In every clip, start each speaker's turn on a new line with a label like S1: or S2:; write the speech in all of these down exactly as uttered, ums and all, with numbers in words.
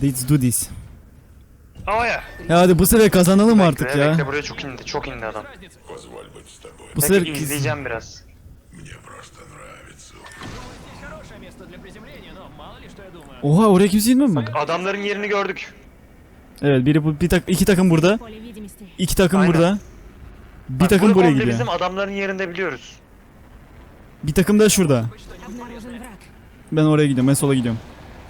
S1: Let's do this.
S2: Oh ya.
S1: Ya hadi bu sefer kazanalım artık
S2: Bekle,
S1: ya.
S2: bekle, buraya çok indi, çok indi adam.
S1: Bu sefer
S2: Peki izleyeceğim biraz.
S1: Oha, oraya kimse inmiyor mu?
S2: Adamların yerini gördük.
S1: Evet, biri bu, bir tak iki takım burada. İki takım
S2: Aynen.
S1: burada. Bir
S2: Bak,
S1: takım
S2: bu
S1: buraya
S2: komple
S1: gidiyor.
S2: bizim adamların yerinde biliyoruz.
S1: Bir takım da şurada. Ben oraya gidiyorum. Ben sola gidiyorum.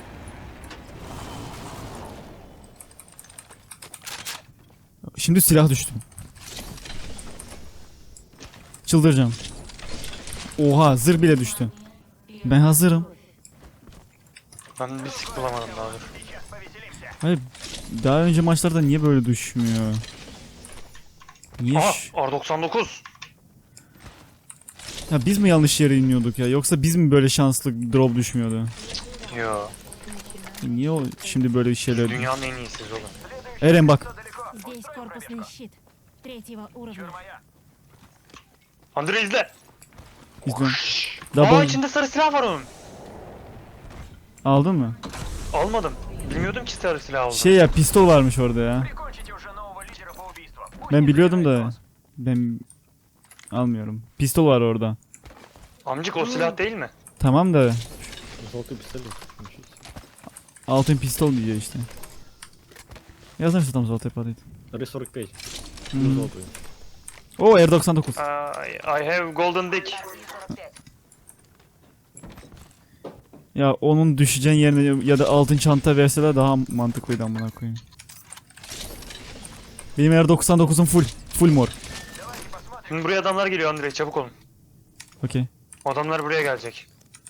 S1: Şimdi silah düştüm. Çıldıracağım. Oha, zırh bile düştü. Ben hazırım.
S2: Ben bir sik bulamadım daha dur.
S1: Hayır, daha önce maçlarda niye böyle düşmüyor? Niye?
S2: Aha,
S1: ş-
S2: R doksan dokuz.
S1: Ya biz mi yanlış yere iniyorduk ya? Yoksa biz mi böyle şanslı drop düşmüyordu?
S2: Yo.
S1: Niye o şimdi böyle şeyler?
S2: Dünyanın en iyisiyiz oğlum.
S1: Eren bak.
S3: Здесь корпусный щит третьего уровня.
S2: Andre izle.
S1: İzliyorum.
S2: Aa,
S1: Double.
S2: içinde sarı silah var onun.
S1: Aldın mı?
S2: Almadım. Bilmiyordum ki sarı silah olduğunu.
S1: Şey ya, pistol varmış orada ya. Ben biliyordum da ben almıyorum. Pistol var orada.
S2: Amcık o silah değil mi?
S1: Tamam da
S4: Золотой пистолет.
S1: altın pistol diyor işte. Я знаю, что там золотая падает.
S4: эр сорок пять.
S1: Hmm.
S4: Золотую.
S1: O R doksan dokuz.
S2: I, I have golden dick.
S1: Ya onun düşeceğin yerine ya da altın çanta verseler daha mantıklıydı amına koyayım. Benim R doksan dokuzum full. Full mor.
S2: Şimdi buraya adamlar geliyor Andre, çabuk olun.
S1: Okey.
S2: Adamlar buraya gelecek.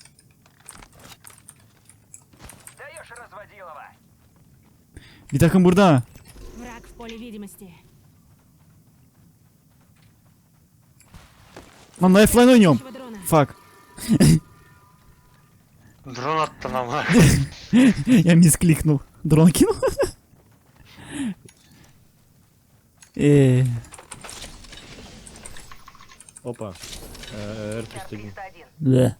S1: Bir takım burada ha.
S3: Враг в поле видимости.
S1: Lan lifeline oynuyorum.
S3: Нашего дрона.
S1: Fuck.
S2: Drone attın ama.
S1: Я мискlikнул. Дрон кинул. Eee.
S4: Опа. Э, эр триста один.
S1: Ve.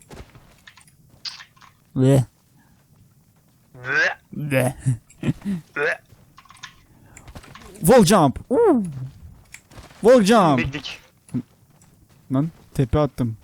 S1: Ve.
S2: Ve,
S1: Ve.
S2: ve.
S1: Wall jump. Uuu. Wall jump.
S2: Bildik.
S1: Lan tepe attım.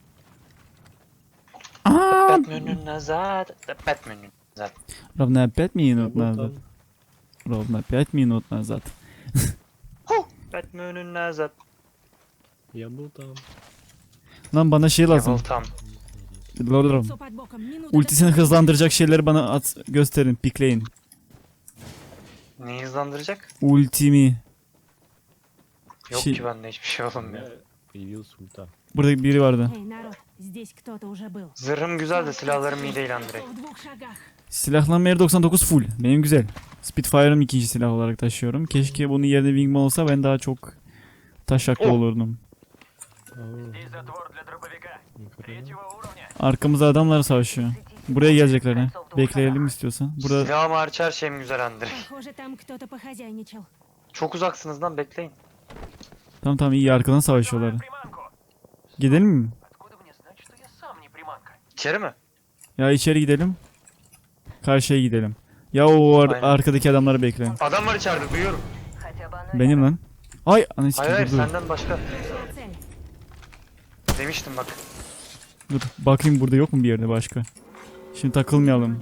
S1: Aa!
S2: Batman'ın назад. Batman'ın назад.
S1: Ровно пять
S4: Я
S1: минут
S4: был
S1: назад.
S4: там.
S1: Ровно пять минут назад.
S2: Batman'ın назад.
S4: Я был там.
S1: Lan bana şey lazım.
S2: Level tam.
S1: Lordum.
S3: Лицо под боком. Минута
S1: Ultisini
S3: до-
S1: hızlandıracak şeyleri bana at gösterin, pikleyin.
S2: Neyi hızlandıracak?
S1: Ultimi.
S2: Yok
S1: Şey-
S2: ki bende hiçbir şey
S4: У
S2: olmuyor.
S4: меня появился ульта.
S1: Burada biri vardı.
S3: Эй, народ, здесь кто-то уже был.
S2: Zırhım güzel de silahlarım iyi değil Andre.
S3: В двух шагах.
S1: Silahlanma R doksan dokuz full. Benim güzel. Spitfire'ım ikinci silah olarak taşıyorum. Keşke bunun yerine Wingman olsa ben daha çok taşaklı
S2: Oh.
S1: olurdum.
S4: Ау,
S5: Здесь затвор для дробовика.
S4: нихуя.
S5: Третьего уровня.
S1: Arkamızda adamlar savaşıyor. Buraya gelecekler ha. Bekleyelim istiyorsan. Burada
S2: Silahım hariç her şeyim güzel Andre.
S3: Похоже, там кто-то похозяйничал.
S2: Çok uzaksınız lan, bekleyin.
S1: tamam tamam iyi, arkadan savaşıyorlar.
S5: Приманку.
S1: Gidelim mi?
S5: Откуда мне знать, что я сам не приманка?
S2: İçeri mi?
S1: Ya içeri gidelim. Karşıya gidelim. Ya o ar-
S2: Aynen.
S1: arkadaki adamları bekle.
S2: Adam var içeride, duyuyorum.
S1: Benim lan. Ay anasını
S2: Hayır hayır,
S1: dur, dur.
S2: senden başka.
S3: Нашла цель.
S2: Demiştim bak.
S1: Dur bakayım burada yok mu bir yerde başka. Şimdi takılmayalım.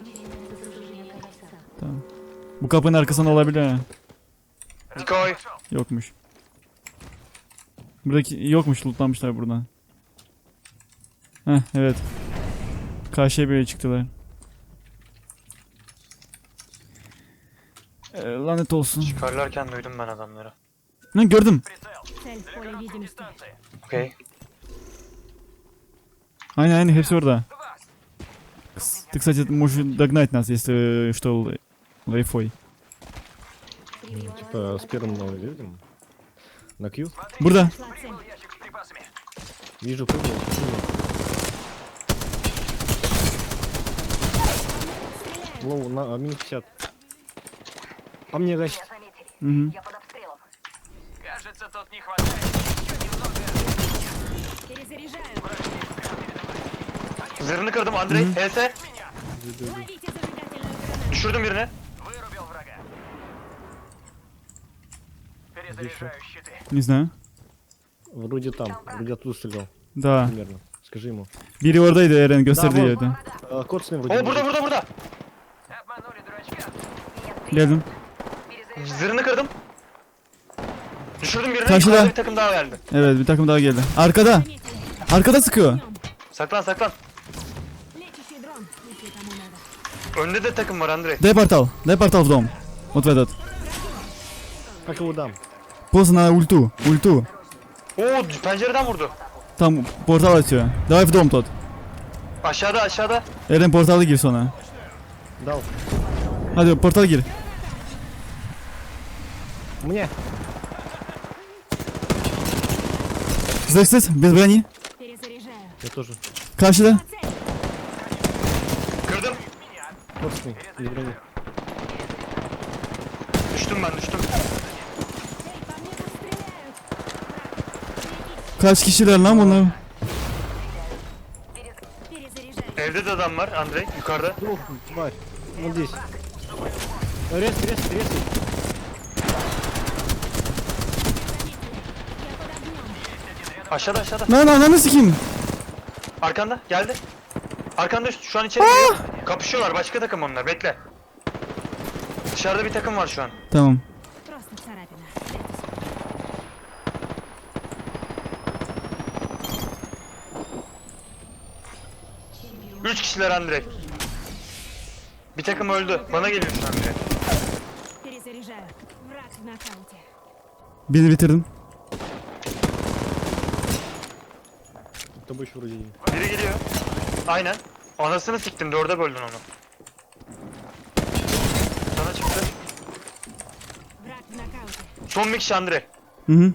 S1: Tamam. Bu kapının arkasında olabilir ha.
S2: Nikoy.
S1: Yokmuş. Buradaki yokmuş, lootlanmışlar buradan. Heh evet. Karşıya böyle çıktılar. Ee, lanet olsun.
S2: Çıkarlarken duydum ben adamları.
S1: Lan gördüm.
S5: Прицел.
S3: Цель в поле видимости.
S5: Дистанции.
S2: Okey.
S1: Aynen aynen hepsi orada. Ты, кстати, можешь догнать нас, если что, л- лайфой.
S4: Ну, Типа с первым мы видим. На Q.
S1: Burada.
S3: Нашла цель.
S5: Ящик с припасами.
S4: Вижу прыгнул. Лоу, на а, минус пятьдесят. По мне, гась.
S1: Hı -hı.
S5: Кажется, тут не хватает. Еще немного.
S3: Перезаряжаю.
S2: Zırhını kırdım Andrei. H S.
S3: Ловите зажигательную гранату.
S2: Düşürdüm birini.
S4: Где еще?
S5: Заряжаю щиты.
S1: Не знаю.
S4: Вроде там, вроде оттуда стрелял,
S1: Da.
S4: примерно. Скажи ему.
S1: Biri oradaydı Eren gösterdiği
S4: Bravo.
S1: yerde.
S4: А, кот с ним вроде.
S2: Oo burada burada burada.
S5: Обманули дурачка.
S1: Geldim.
S2: Zırhını kırdım. Düşürdüm birini.
S1: Karşıda.
S2: Yukarıda bir takım daha geldi.
S1: Evet bir takım daha geldi. Arkada.
S3: Заметили.
S1: Arkada sıkıyor.
S3: Огнем.
S2: Saklan saklan.
S3: Лечащий дрон, если кому надо.
S2: Önde de takım var Andrei.
S1: Дай портал. Дай портал в дом. Вот в этот.
S4: Как его дам?
S1: Просто на ульту. Ульту.
S2: Oo pencereden vurdu.
S1: Tam portal atıyor. Давай в дом тот.
S2: Aşağıda aşağıda.
S1: Eren portala gir sonra.
S4: Дал.
S1: Hadi portala gir.
S4: Мне.
S1: Zırhsız. Без брони.
S3: Перезаряжаю.
S4: Я тоже.
S1: Karşıda.
S3: Цель.
S2: Kırdım.
S4: Кот с ним. Без брони.
S2: Düştüm ben düştüm.
S3: Эй, по мне тут стреляют.
S1: Kaç kişiler lan bunlar?
S3: Перезаряжаю.
S2: Evde de adam var Andrei yukarıda.
S4: Ох, тварь. Вот здесь. Рез, рез, рез.
S3: Я под огнем.
S2: Aşağıda aşağıda.
S1: Lan ananı sikeyim.
S2: Arkanda geldi. Arkanda şu an içeri giriyor. Kapışıyorlar başka takım onlar bekle. Dışarıda bir takım var şu an.
S1: Tamam.
S3: Просто царапина.
S2: Üç kişiler Andrei. Bir takım öldü. Bana geliyor şu an biri.
S3: Перезаряжаю. Враг в нокауте.
S1: Birini bitirdim.
S4: С тобой еще вроде есть.
S2: Biri geliyor. Aynen. Anasını siktim dörde böldün onu. Sana çıktı.
S3: Враг в нокауте.
S2: Son bir kişi Andrei.
S1: Hı hı.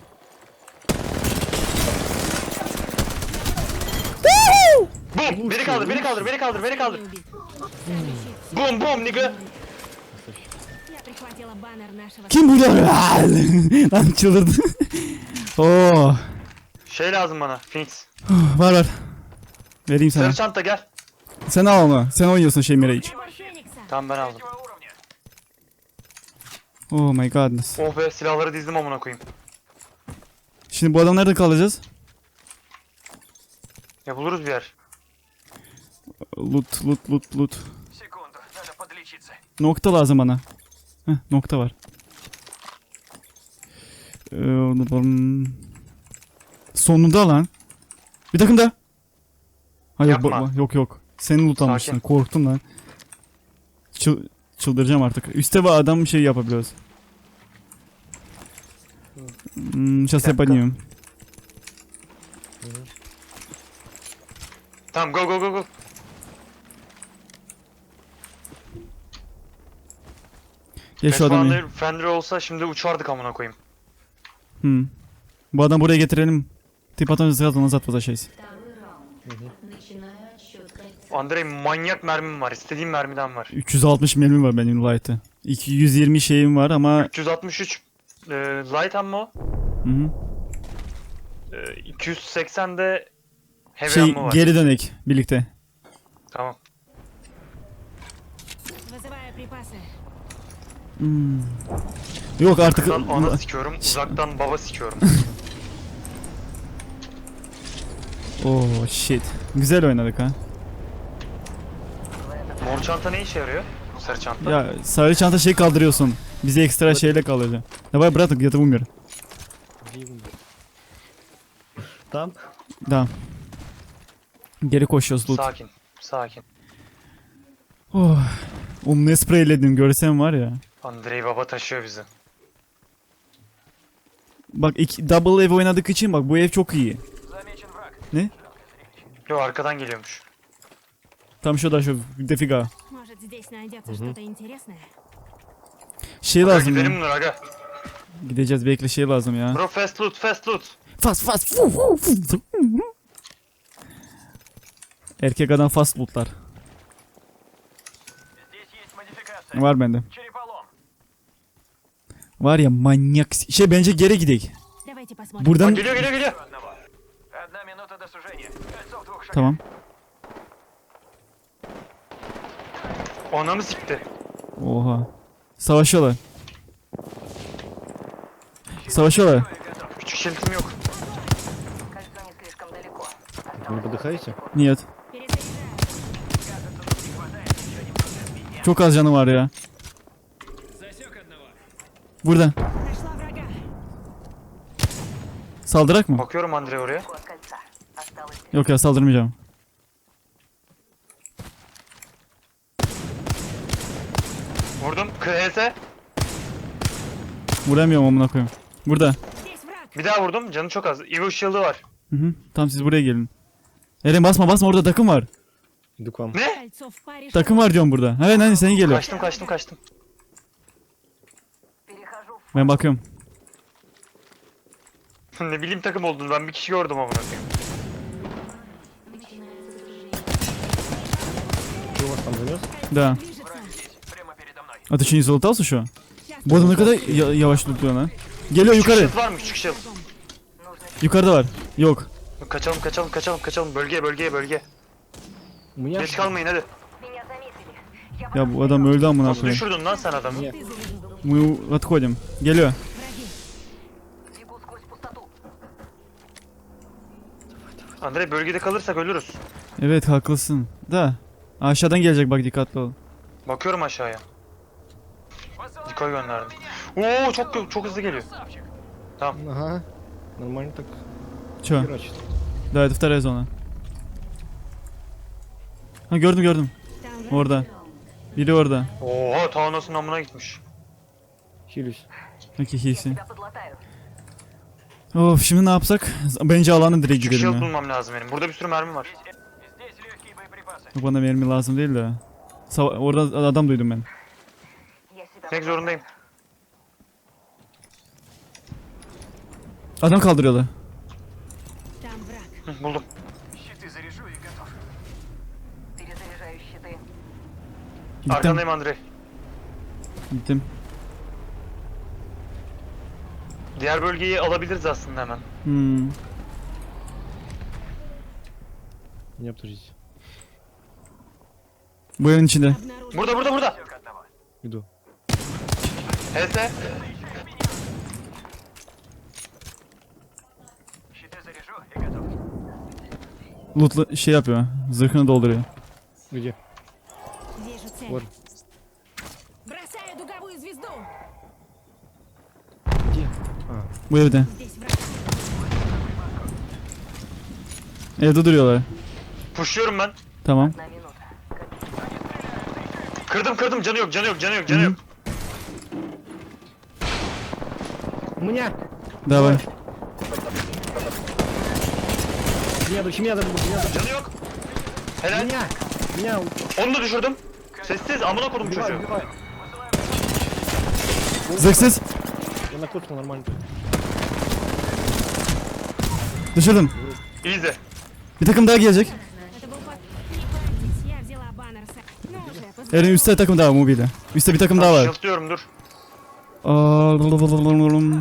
S2: Bum! Biri kaldır, biri kaldır, biri kaldır, biri kaldır.
S3: Убит. Следующий.
S2: Bum bum nigga.
S3: Я прихватила баннер нашего...
S1: Kim burada? Lan çıldırdı. Oo.
S2: Şey lazım bana, Phoenix.
S1: Var var. Vereyim sana.
S2: Sarı çanta gel.
S1: Sen al onu. Sen oynuyorsun şey Mirage.
S3: Прибор Феникса.
S2: Tamam ben aldım.
S5: Третьего уровня.
S1: Oh my godness.
S2: Oh be silahları dizdim amına koyayım.
S1: Şimdi bu adam nerede kalacağız?
S2: Ya buluruz bir yer.
S1: Loot loot loot loot.
S5: Секунду, надо подлечиться.
S1: Nokta lazım bana. Heh, nokta var. Ee, hmm. Sonunda lan. Bir takım da. Hayır
S2: Yapma.
S1: bo- yok yok. Seni loot almışsın.
S2: Sakin.
S1: Korktum lan. Çıl- çıldıracağım artık. Üste var adam şey yapabiliyoruz. Hmm, сейчас я
S2: dakika.
S1: поднимем.
S2: Tamam go go go go.
S1: Gel şu adamı.
S2: Fender, Fender olsa şimdi uçardık amına koyayım.
S1: Hmm. Bu adamı buraya getirelim. Ты потом сразу назад возвращайся.
S6: Начинаю отсчет кольца.
S2: Andrei manyak mermim var. İstediğim mermiden var.
S1: üç yüz altmış mermim var benim light'ı. iki yüz yirmi şeyim var ama
S2: üç yüz altmış üç e, light ammo.
S1: hı hı.
S2: E, iki yüz seksen de heavy
S1: Şey
S2: ammo var.
S1: geri dönek birlikte.
S2: Tamam.
S3: Вызываю припасы.
S1: Hmm. Yok artık
S2: Uzaktan ana sikiyorum. Uzaktan baba sikiyorum.
S1: Oh shit. Güzel oynadık ha.
S2: Mor çanta ne işe yarıyor? Sarı çanta.
S1: Ya sarı çanta şey kaldırıyorsun. Bize ekstra şeyle kalacak. Давай, брат, где-то умер.
S4: Где его? Там?
S1: Да. Geri koşuyoruz loot.
S2: Sakin. Sakin.
S1: Oh. Oğlum ne spreyledim görsem var ya.
S2: Andrei baba taşıyor bizi.
S1: Bak iki, double ev oynadık için bak bu ev çok iyi.
S5: Замечен враг.
S1: Ne?
S2: Yo arkadan geliyormuş.
S1: Tam şurada şu defiga.
S3: Может, здесь найдется что-то интересное?
S1: Şey
S2: Aga
S1: lazım
S2: gidelim
S1: ya.
S2: Nur aga.
S1: Gideceğiz bekle şey lazım ya.
S2: Bro fast loot fast loot.
S1: Fast fast. Fu, fu, fu. Erkek adam fast lootlar.
S5: Здесь есть модификация.
S1: Var bende.
S5: Череполом.
S1: Var ya manyak. Şey bence geri gidelim.
S3: Давайте посмотрим.
S1: Buradan
S2: Bak geliyor geliyor geliyor.
S5: Одного. Одна минута до сужения. Кольцо в двух шагах.
S1: tamam.
S2: Anamı sikti.
S1: Oha. Savaşıyorlar. Savaşıyorlar.
S2: Küçük şeritim yok.
S6: Кольцо не слишком далеко.
S4: Вы не подыхаете?
S1: Niyet.
S3: Перезаряжаю.
S1: Çok az canı var ya. Burada.
S3: Нашла врага.
S1: Saldırak mı?
S2: Bakıyorum Andre oraya.
S6: От кольца. Осталось
S1: Yok ya saldırmayacağım.
S2: Vurdum. K S.
S1: Vuramıyorum amına koyayım. Burada.
S3: Здесь враг.
S2: Bir daha vurdum. Canı çok az. Evil Shield'ı var.
S1: Hı hı. Tamam siz buraya gelin. Eren basma basma orada takım var.
S4: Иду к вам.
S2: Ne?
S3: Кольцо в паре.
S1: Takım var diyorum burada. Evet hani seni geliyor.
S2: Kaçtım kaçtım kaçtım.
S6: перехожу в
S1: Ben bakıyorum.
S2: Ne bileyim takım olduğunu ben bir kişi gördüm amına koyayım.
S4: Что у вас там занес?
S1: Да.
S3: Движется.
S5: Прямо передо мной.
S1: А ты что не залутался şu an?
S3: Сейчас
S1: Bu adam ne kadar ya- yavaş tutuyor lan. Geliyor
S2: Küçük
S1: yukarı.
S2: shield var mı? Küçük shield.
S1: Yukarıda var. Yok.
S2: Kaçalım kaçalım kaçalım kaçalım. Bölgeye bölgeye bölge.
S4: У меня...
S2: Geç kalmayın hadi.
S6: Меня заметили. Я
S1: Ya bu adam öldü amına
S2: Nasıl
S1: koyayım.
S2: düşürdün lan sen adamı?
S4: Нет.
S1: Мы отходим. Geliyor.
S6: бегу сквозь пустоту.
S2: Andre bölgede kalırsak ölürüz.
S1: Evet haklısın. Da. Aşağıdan gelecek bak dikkatli ol.
S2: Bakıyorum aşağıya.
S5: Посылаю
S2: Dikoy gönderdim. Oo çok çok hızlı geliyor.
S5: красавчик.
S4: Ага. Нормально так
S1: Çö.
S4: херачит.
S1: Да это вторая zona. Ha gördüm gördüm.
S3: Там враг.
S1: Orada. Biri orada.
S2: Oha Thanos'un amına gitmiş.
S4: Хилюсь.
S1: Okey hiysi.
S6: Тебя подлатаю.
S1: Of şimdi ne yapsak? Bence alana direkt
S2: Küçük
S1: gidelim
S2: shield
S1: ya.
S2: bulmam lazım benim. Burada bir sürü mermi var.
S5: Здесь легкие боеприпасы.
S1: Bana mermi lazım değil de. Sava- orada adam duydum ben.
S6: Я себя
S2: Gitmek zorundayım.
S1: Adam kaldırıyorlar.
S3: Там враг.
S2: Hı, buldum.
S5: Щиты заряжу и готов.
S6: перезаряжаю щиты.
S1: Gittim.
S2: Arkandayım Andre.
S1: Gittim.
S2: Diğer bölgeyi alabiliriz aslında hemen.
S1: Hmm.
S4: Не обтужите.
S1: Bu evin içinde.
S3: Обнаружен.
S2: Burada burada burada.
S5: Все к одному.
S4: Иду.
S2: H S.
S5: Щиты заряжу и готов.
S1: Loot'lu şey yapıyor. Zırhını dolduruyor.
S4: Где?
S3: Вижу цель.
S4: Вот.
S3: Бросаю дуговую звезду.
S4: Где? А,
S1: Bu evde.
S3: Здесь враг.
S1: Evde duruyorlar.
S2: Pushluyorum ben.
S1: Tamam.
S6: На минуту.
S2: Kırdım kırdım canı yok canı yok canı yok canı yok.
S4: у меня!
S1: Давай.
S4: Меня, дочь, меня, дочь, меня, дочь.
S2: Canı yok. Helal.
S4: Меня! Меня!
S2: Onu da düşürdüm. Sessiz amına kodum
S4: Убивай,
S2: çocuğu.
S4: убивай!
S1: Zırhsız.
S4: Я накрутил нормально.
S1: Düşürdüm.
S2: Easy.
S1: Bir takım daha gelecek.
S3: Это был под... Не парьтесь, я взяла баннер. с- Ну уже, поздравляю.
S1: Eren üstte takım daha mobilde. Üstte bir takım daha var.
S2: Shield diyorum dur.
S1: Aa,
S5: Вот и любезная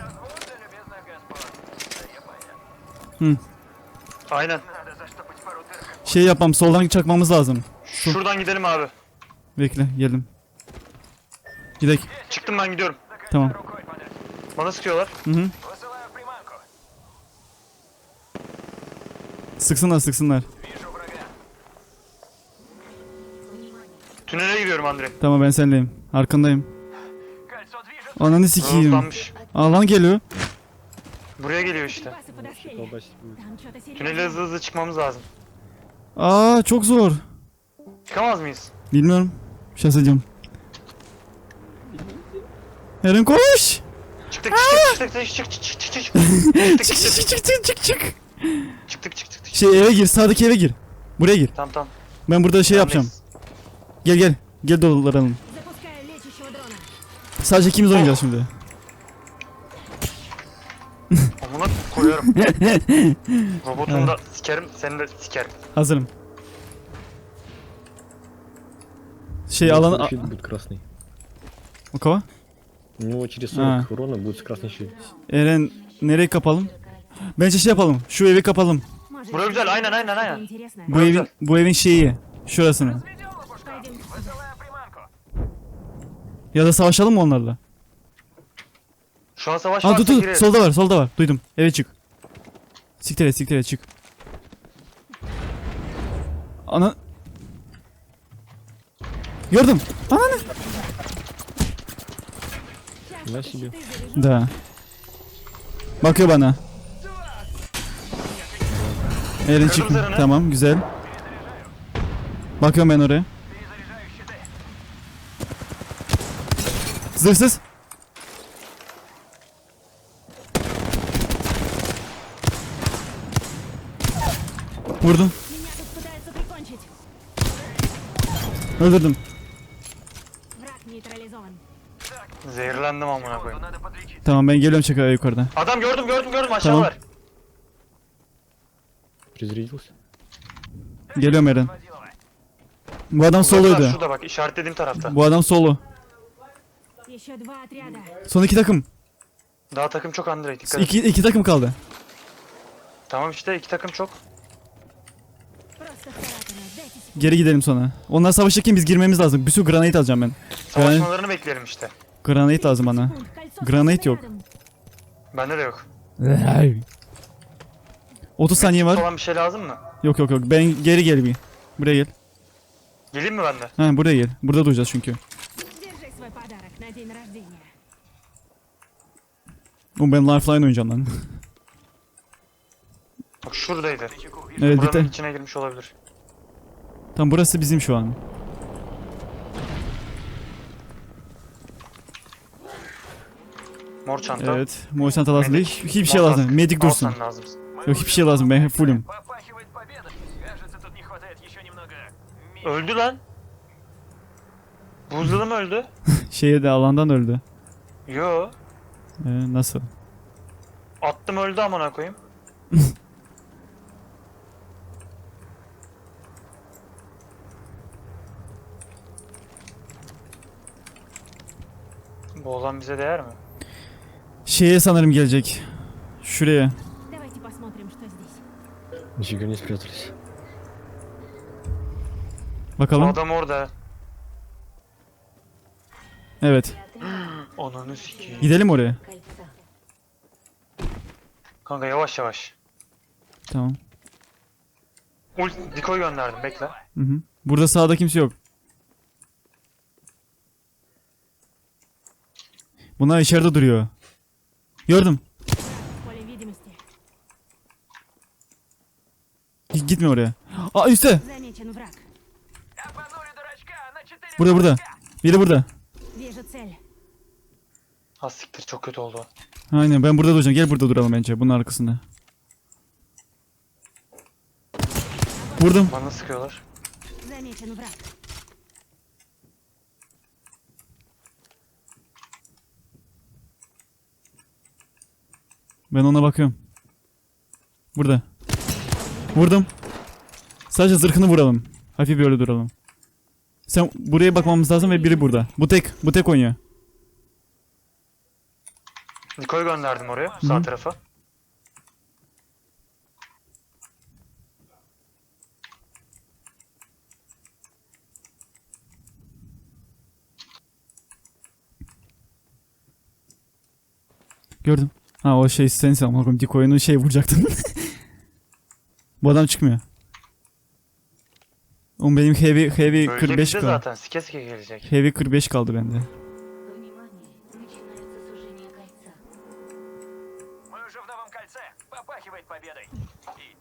S5: госпожа. Я понял.
S2: Aynen.
S5: Надо заштопать пару дырок.
S1: Şey yapmam soldan çakmamız lazım.
S2: Şuradan gidelim abi.
S1: Bekle geldim. Gidek.
S2: Çıktım ben gidiyorum.
S1: Tamam.
S5: Рукой подать.
S2: Bana sıkıyorlar.
S1: Hı hı.
S5: Высылаю в приманку.
S1: Sıksınlar sıksınlar.
S5: Вижу врага.
S2: Tünele giriyorum Andre.
S1: Tamam ben senleyim. Arkandayım.
S5: Кольцо движется.
S1: Ananı sikeyim.
S2: Hızlanmış.
S1: Alan geliyor.
S2: Buraya geliyor işte.
S3: Припасы подоспели.
S4: Колбасить будет.
S3: Там что-то
S2: Tünele
S3: серьезное.
S2: hızlı hızlı çıkmamız lazım.
S1: Aa çok zor.
S2: Çıkamaz mıyız?
S1: Bilmiyorum. Şahs edeceğim. Eren koş.
S2: Çıktık çıktık çıktık çık çık çık çık çık. Çıktık
S1: Çık
S2: çıktık
S1: çık çık çık çık çık.
S2: çıktık çıktık çıktık.
S1: Şey eve gir. Sağdaki eve gir. Buraya gir.
S2: Tamam tamam.
S1: Ben burada şey yapacağım.
S2: Bendeyiz.
S1: Gel gel. Gel dolaralım.
S3: Запускаю лечащего дрона.
S1: Sadece ikimiz oynayacağız şimdi.
S2: Amına koyarım. Robotunu da sikerim, seni de sikerim.
S1: Hazırım. Şey
S4: У него
S1: alan...
S4: свой щит будет красный.
S1: O kova?
S4: У него через
S1: А.
S4: сорок урона будет красный щит.
S1: Eren nereye kapalım? Bence şey yapalım. Şu evi kapalım.
S3: Может,
S2: Buraya güzel, aynen aynen
S3: что-то
S2: aynen.
S3: интересное.
S1: Bu evin bu evin şeyi. Şurasını.
S5: Ведем лопушка.
S3: Пойдем.
S5: Высылаю приманку.
S1: Ya da savaşalım mı onlarla?
S2: Şu an savaş
S1: Aa
S2: varsa
S1: dur dur
S2: girelim.
S1: solda var solda var duydum. Eve çık. Siktir et siktir et çık. Ana. Gördüm. Ananı.
S4: Flash yiyor.
S1: Da. Bakıyor bana. Eren çık.
S2: zırhını.
S1: Tamam güzel. Bakıyorum ben oraya. Zırhsız. Vurdum.
S3: Меня тут пытаются прикончить.
S1: Öldürdüm.
S3: Враг нейтрализован.
S2: Zehirlendim amına koyayım.
S5: Надо подлечить.
S1: Tamam ben geliyorum çakaya yukarıda.
S2: Adam gördüm gördüm gördüm aşağı
S1: Tamam.
S2: var.
S4: Призарядился.
S1: Geliyorum Eren.
S5: Водила.
S1: Bu adam
S2: Uzaklar,
S1: soluydu.
S2: şurada bak işaretlediğim tarafta.
S1: Bu adam solo.
S3: Еще два отряда.
S1: Son iki takım.
S2: Daha takım çok Andrei dikkat et.
S1: İki, iki takım kaldı.
S2: Tamam işte iki takım çok.
S3: Просто царапина. Дайте секунду.
S1: Geri gidelim sonra. Onlar savaşırken biz girmemiz lazım. Bir sürü granate alacağım ben.
S2: Savaşmalarını bekleyelim işte.
S1: Granate lazım bana.
S3: Секунд. Кольцо
S1: Granate
S3: совсем
S1: yok.
S3: рядом.
S2: Bende de yok.
S1: otuz saniye var.
S2: Falan bir şey lazım mı?
S1: Yok yok yok. Ben geri gel bir. Buraya gel.
S2: Geleyim mi ben de?
S1: Ha buraya gel. Burada duracağız çünkü.
S3: Держи свой подарок на день рождения.
S1: Oğlum ben Lifeline oynayacağım lan.
S2: Bak şuradaydı.
S1: Evet
S2: Buranın
S1: dikkat.
S2: içine girmiş olabilir.
S1: Tam burası bizim şu an.
S2: Mor çanta.
S1: Evet. Mor çanta lazım değil.
S2: Medik.
S1: Hiçbir şey
S2: Mor
S1: lazım.
S2: kask.
S1: Medik
S2: Al
S1: dursun.
S2: sen lazım.
S1: Yok hiçbir şey lazım. Ben fullüm.
S5: Попахивает победой. Кажется, тут не хватает еще немного. ми-
S2: Öldü lan. Buzdalı mı öldü?
S1: Şeye de alandan öldü.
S2: Yo.
S1: Ee, nasıl?
S2: Attım öldü amına koyayım. Bu olan bize değer mi?
S1: Şeye sanırım gelecek. Şuraya.
S3: Давайте посмотрим, что здесь.
S4: Нифига не спрятались.
S2: Bu
S1: Bakalım.
S2: adam orada.
S1: Evet.
S2: Ananı sikeyim.
S1: Gidelim oraya.
S6: Кольца.
S2: Kanka yavaş yavaş.
S1: Tamam.
S2: Ult dikoy gönderdim bekle.
S1: Hı hı. Burada sağda kimse yok. Bunlar içeride duruyor. Gördüm.
S3: В поле видимости.
S1: Git- Gitme oraya. Aa üstte.
S3: Замечен враг.
S5: Обманули дурачка на четыре.
S1: Burada burada. Biri burada.
S3: Вижу цель.
S2: Ha siktir çok kötü oldu.
S1: Aynen ben burada duracağım. Gel burada duralım bence. Bunun arkasında. Vurdum.
S2: Bana sıkıyorlar.
S3: Замечен враг.
S1: Ben ona bakıyorum. Burada. Vurdum. Sadece zırhını vuralım. Hafif böyle duralım. Sen buraya bakmamız lazım ve biri burada. Bu tek. Bu tek oynuyor.
S2: Dikoy gönderdim oraya sağ
S1: Hı.
S2: tarafa.
S1: Gördüm. Ha o şey sensin ama koyayım. Dik oyunu şey vuracaktın. Bu adam çıkmıyor. Oğlum benim heavy heavy
S2: Bölge
S1: kırk beş
S2: bizde
S1: kaldı.
S2: zaten sike sike gelecek.
S1: Heavy kırk beş kaldı bende.
S6: Внимание, начинается сужение кольца.
S5: Мы уже в новом кольце. Попахивает победой. И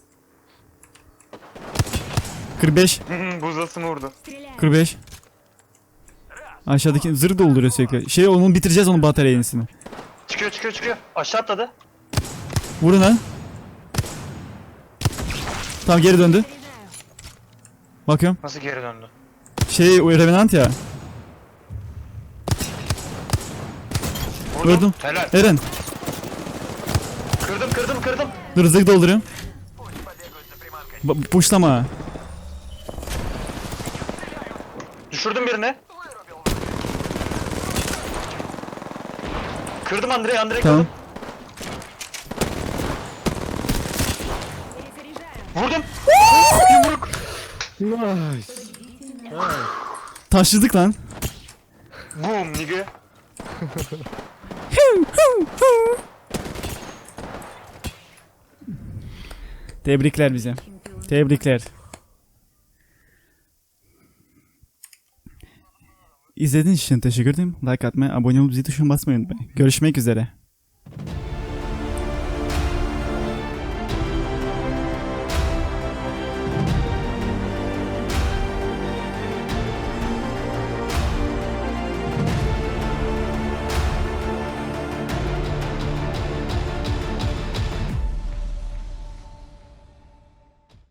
S1: kırk beş.
S2: Buzdası mı vurdu?
S3: Стреляю.
S1: kırk beş. Aşağıdaki zırh dolduruyor sürekli. Şey onu bitireceğiz onun batarya yenisini.
S2: Çıkıyor çıkıyor çıkıyor. Aşağı atladı.
S1: Vurun lan. Tamam geri döndü.
S3: Заряжаю.
S1: Bakıyorum.
S2: Nasıl geri döndü?
S1: Şey o Revenant ya.
S2: Vurdum.
S1: Gördüm.
S2: Helal.
S1: Eren.
S2: Kırdım kırdım kırdım.
S1: Dur zırh dolduruyorum.
S5: пусть побегают за приманкой.
S1: Ba- Puşlama.
S2: Düşürdüm birini. Kırdım Andrei Andrei
S1: Tamam.
S2: kırdım.
S3: Перезаряжаю.
S2: Vurdum. Yumruk.
S4: Найс!
S1: Taşladık lan.
S2: Boom nigga.
S1: Tebrikler bize. Tebrikler. İzlediğiniz için teşekkür ederim. Like atmayı, abone olup zil tuşuna basmayı unutmayın. Görüşmek üzere.